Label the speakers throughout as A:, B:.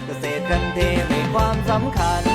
A: เกษตรกันเทให้ความสำคัญ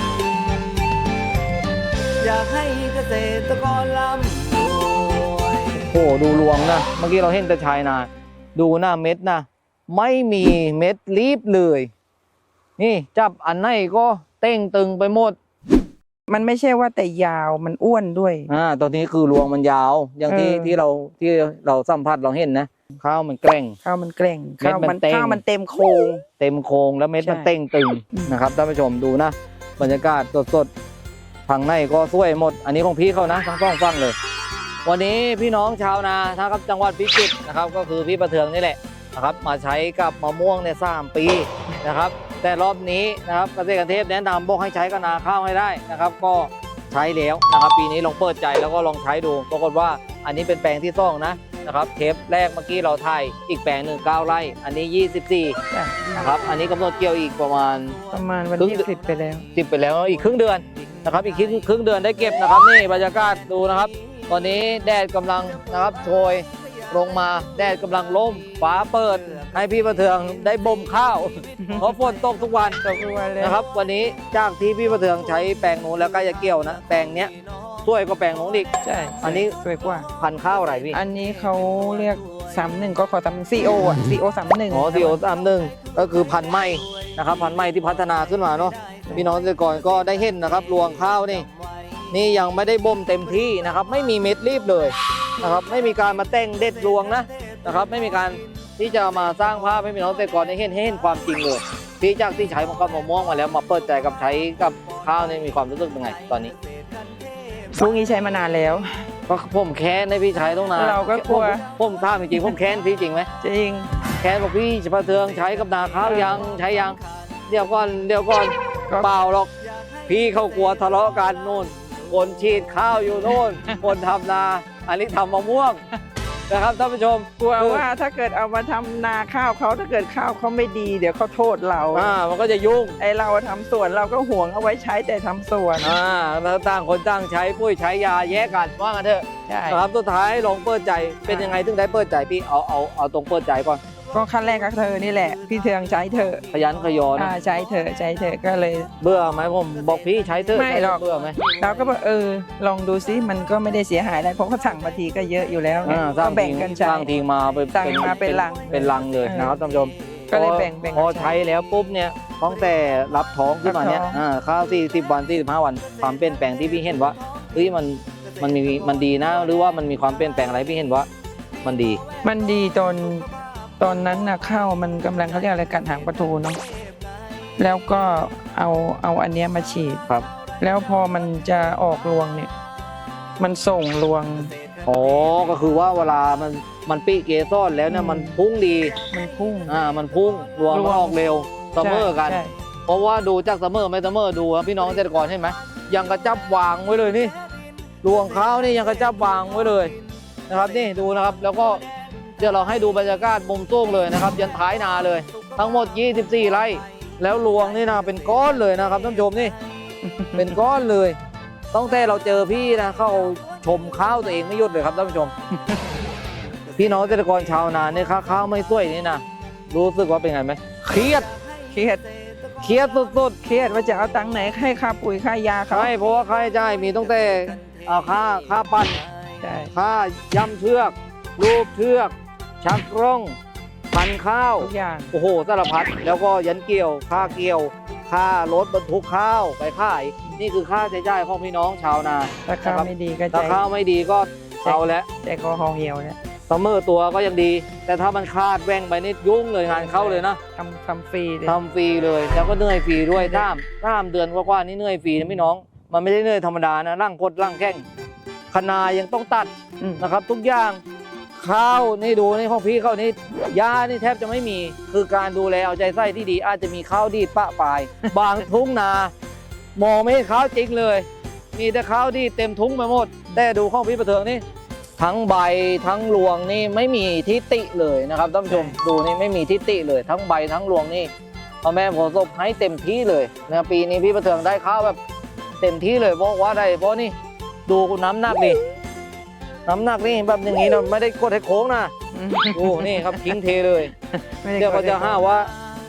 A: อยากให้เกษตรกรร่ำรวย
B: โอ้โหดูรวงนะเมื่อกี้เราเห็นแต่ชายนาดูหน้าเม็ดนะไม่มีเม็ดรีบเลยนี่จับอันไหนก็เต้งตึงไปหมด
C: มันไม่ใช่ว่าแต่ยาวมันอ้วนด้วย
B: ตอนนี้คือรวงมันยาวอย่างที่เราสัมผัสเราเห็นนะข้าวมันแกร่ง
C: ข้าวมันแกร่ง
B: เม็ดมันเต็ม
C: ข้าวมันเต็มโครง
B: เต็มโครงแล้วเม็ดมัน
C: ใช่
B: เต้งตึงนะครับท่านผู้ชมดูนะบรรยากาศสดๆทางในก็สวยหมด อันนี้ของพี่เขานะทั้งสองฝั่งเลย วันนี้พี่น้องชาวนานะครับจังหวัดพิจิตรนะครับก็คือพี่ประเทืองนี่แหละนะครับมาใช้กับมะม่วงเนี่ย3 ปีนะครับแต่รอบนี้นะครับเกษตรกรเทพแนะนำบอกให้ใช้กับนาข้าวให้ได้นะครับก็ใช้แล้วนะครับปีนี้ลองเปิดใจแล้วก็ลองใช้ดูปรากฏว่าอันนี้เป็นแปลงที่2นะครับเทปแรกเมื่อกี้เราถ่ายอีกแปลงหนึ่ง9 ไร่อันนี้24
C: จ้ะ
B: นะครับอันนี้กำหนดเกี่ยวอีกประมาณ
C: วันที่10ไปแล้ว
B: 10ไปแล้วอีกครึ่งเดือนนะครับอีกครึ่งเดือนได้เก็บนะครับนี่บรรยากาศดูนะครับตอนนี้แดดกำลังนะครับโชยลงมาแดดกำลังล่มฟ้าเปิดให้พี่ประเทืองได้บ่มข้าว เพราะฝนตกทุกวัน
C: ตกทุกวันเลย
B: นะครับวันนี้จากที่พี่ประเทืองใช้แปลงนู้นแล้วก็จะเกี่ยวนะแปลงเนี้ยช่วยก็แปลงนู้นอีก
C: ใช่
B: อันนี้
C: สวยกว่า
B: พันธุ์ข้าวอะไรพี่
C: อันนี้เขาเรียก31ก็ขอทำCO อ่ะ CO 31
B: อ๋อที่โอ31ก็คือพันธุ์ใหม่นะครับพันธุ์ใหม่ที่พัฒนาขึ้นมาเนาะพี่น้องเกษตรกรก็ได้เห็นนะครับรวงข้าวนี่ยังไม่ได้บ่มเต็มที่นะครับไม่มีเม็ดรีบเลยนะครับไม่มีการมาแต่งเด็ดรวงนะครับไม่มีการที่จะมาสร้างภาพให้พี่น้องเกษตรกรได้เห็นความจริงเลยพี่จากที่ใช้กับมะม่วงมาแล้วมาเปิดใจกับใช้กับข้าวนี่มีความรู้สึกเป็นไงตอนนี้
C: พวกนี้ใช้มานานแล้ว
B: ก็ผมแค้นให้พี่ใช้ต้องนาน
C: เราก็กลัว
B: ผมถามจริงๆผมแค้นพี่จริงไหม
C: จริง
B: แค้นบอกพี่ประเทืองใช้กับนาข้าวยังใช้ยังเดี๋ยวก่อนเปล่าหรอกพี่เขากลัวทะเลาะกันนู่นคนฉีดข้าวอยู่นู่น คนทำนาอันนี้ทำมะม่วงนะครับท่านผู้ชม
C: กลัวว่าถ้าเกิดเอามาทำนาข้าวเขาถ้าเกิดข้าวเขาไม่ดีเดี๋ยวเขาโทษเรา
B: มันก็จะยุ่ง
C: ไอเราทำสวนเราก็ห่วงเอาไว้ใช้แต่ทำสวน
B: แล้วต่างคนต่างใช้ปุ้ยใช้ยาแยกกันว่ากันเถอะ
C: ใช่
B: นะครับสุดท้ายลองเปิดใจเป็นยังไงถึงได้เปิดใจพี่เอาตรงเปิดใจก่อน
C: ก็ขั้นแรกก็เธอนี่แหละพี่เทืองใช้เธอะ
B: ขยันขยอน
C: ใช้เธอะก็เลย
B: เบื่อไหมผมบอกพี่ใช้เถอะ
C: ไม่หรอก
B: เบื่อไหม
C: เราก็บอกลองดูซิมันก็ไม่ได้เสียหายอะไรเพราะเขาสั่งมาทีก็เยอะอยู่แล้วไง
B: สร้า
C: ก็
B: ง
C: แบ่งกันใช้
B: สร้างทิ้งมา
C: สั่งมาเป็นลัง
B: เป็นลังเลยนะครับท่านผู้ชม
C: ก็เลยแบ่ง
B: พอ
C: กัน
B: ใช้แล้วปุ๊บเนี่ยตั้งแต่รับท้องขึ้นมาเนี่ย
C: รับท้อง
B: ข้าว40 วัน45 วันความเปลี่ยนแปลงที่พี่เห็นว่าเฮ้ยมันดีนะหรือว่ามันมีความเปลี่ยนแปลงอะไรพี่เห็นว่ามันดี
C: มันดีตอนนั้นนะข้าวมันกำลังเขาเรียกอะไรกัดหางปลาทูเนาะแล้วก็เอาอันเนี้ยมาฉีด
B: ครับ
C: แล้วพอมันจะออกรวงเนี่ยมันส่งรวง
B: อ๋อก็คือว่าเวลามันปีเกสรแล้วเนี่ยมันพุ่งดี
C: มันพุ่ง
B: มันพุ่งรวงมันออกเร็วเสมอกัน
C: ใช่
B: เพราะว่าดูจากเสมอไม่เสมอดูนะพี่น้องเกษตรกรเห็นไหมยังกระจับวางไว้เลยนี่รวงข้าวนี่ยังกระจับวางไว้เลยนะครับนี่ดูนะครับแล้วก็เดี๋ยวเราให้ดูบรรยากาศมุมสูงเลยนะครับยันท้ายนาเลย ทั้งหมด24 ไร่แล้วรวงนี่นะเป็นก้อนเลยนะครับท่านผู้ชมนี่ เป็นก้อนเลยตั้งแต่เราเจอพี่นะเข้าชมข้าวตัวเองไม่หยุดเลยครับท่านผู้ชม พี่น้องเกษตรกรชาวนาเนี่ยข้าวไม่สวยนี่นะรู้สึกว่าเป็นไงไหมเครียด
C: เครียด
B: สุด
C: เครียดว่าจะเอาตังค์ไหนให้ค่าปุ๋ยค่ายา
B: ๆ
C: เขา
B: ใช่เพราะว่าค่าใช้จ่ายมีตั้งแต่ค่าปั่น
C: ใช่
B: ค่าย้ำเชือกรูปเชือก ชักร่องพันข้าว
C: ทุกอย่าง
B: โอ้โหสารพัดแล้วก็ยันเกี่ยวค่าเกี่ยวค่ารถบรรทุกข้าวไปขายนี่คือค่าใช้จ่ายของพี่น้องชาวนา
C: ถ้าข้าวไม่ดีก็ใจ
B: ถ้าข้าวไม่ดีก็เอาแล้ว
C: ใจคอหอเหี่ยวเนี่ย
B: เสมอตัวก็ยังดี แต่ถ้ามันขาดแว่งไปนี่ยุ่งเลยงานเข้าเลยนะ
C: ทำฟรีเลย
B: ทำฟรีเลยแล้วก็เหนื่อยฟรีด้วยท่ามเดือนกว่าๆนี่เหนื่อยฟรีนะพี่น้องมันไม่ได้เหนื่อยธรรมดานะร่างกดร่างแข้งคณายังต้องตัดนะครับ ทุกอย่างข้าวนี่ดูนี่ของพี่เขานี่ยานี่แทบจะไม่มีคือการดูแลเอาใจใส่ที่ดีอาจจะมีข้าวดีดปะปลาย บางทุ่งนามองไม่เห็นข้าวจริงเลย มีแต่ข้าวดีดเต็มทุ่งไปหมดแต่ดูของพี่ประเทืองนี่ทั้งใบทั้งรวงนี่ไม่มีทิฏฐิเลยนะครับท่านผู้ชมดูนี่ไม่มีทิฏฐิเลยทั้งใบทั้งรวงนี่พ่อแม่ผมส่งให้เต็มที่เลยนะปีนี้พี่ประเทืองได้ข้าวแบบเต็มที่เลยเพราะว่าได้เพราะนี่ดูน้ำหนักดิน้ำหนักนี่แบบอย่างนี้นะไม่ได้กดให้โค้งนะดูนี่ครับทิ้งเทเลย
C: ไม่ได้
B: เดี๋ยวเขาจะห้าว่า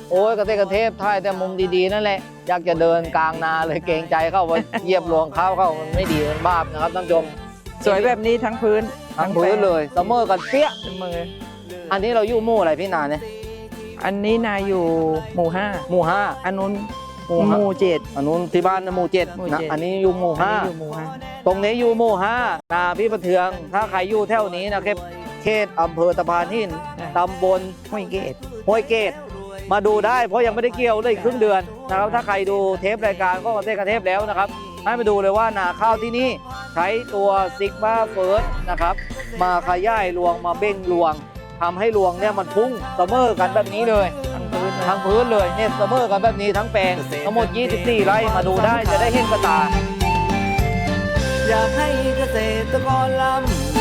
B: โอ้ยเกษตรเทพถ่ายแต่มุมดีๆนั่นแหละอยากจะเดินกลางนาเลยเกรงใจเข้าไปเหยียบหลวงเข้ามันไม่ดีมันบาปนะครับท่านผู้ชม
C: สวยแบบนี้ทั้งพื้น
B: ทั้งพื้นเลยเสมอกันเปี้ย
C: เสมอ
B: อันนี้เราอยู่หมู่อะไรพี่นาเนี่ย
C: อันนี้นายอยู่หมู่ห้า
B: หมู่ห้า
C: อันนู้น
B: หมู่
C: ห
B: ห้า
C: มู่เจ็ด
B: อันนู้นที่บ้านนะหมู่เจ็ด
C: หมู่
B: นะ
C: เจ็ด
B: อันนี้อยู่หมู่
C: อัน
B: ห้า
C: นี้อยู่หมู่ห้า
B: ตรงนี้อยู่หมู่ห้านาพี่ประเทือง ถ้าใครอยู่แถวนี้นะครับเขตอำเภอตะพานหินตำบล
C: ห้วยเกต
B: ห้วยเกตมาดูได้เพราะยังไม่ได้เกี่ยวเลยครึ่งเดือนนะครับถ้าใครดูเทปรายการก็เกษตรเทพแล้วนะครับให้มาดูเลยว่านาข้าวที่นี่ใช้ตัวซิกมาเฟิร์สนะครับมาขยายรวงมาเบ่งรวงทำให้รวงเนี่ยมันพุ่งเสมอกันแบบนี้เลย
C: ทั้งพื้นเลย
B: ทั้งพื้นเลยเนี่ยเสมอกันแบบนี้ทั้งแปลงทั้งหมด 24 ไร่มาดูได้จะได้เห็นกระตา
A: อยากให้เกษตรกรลำ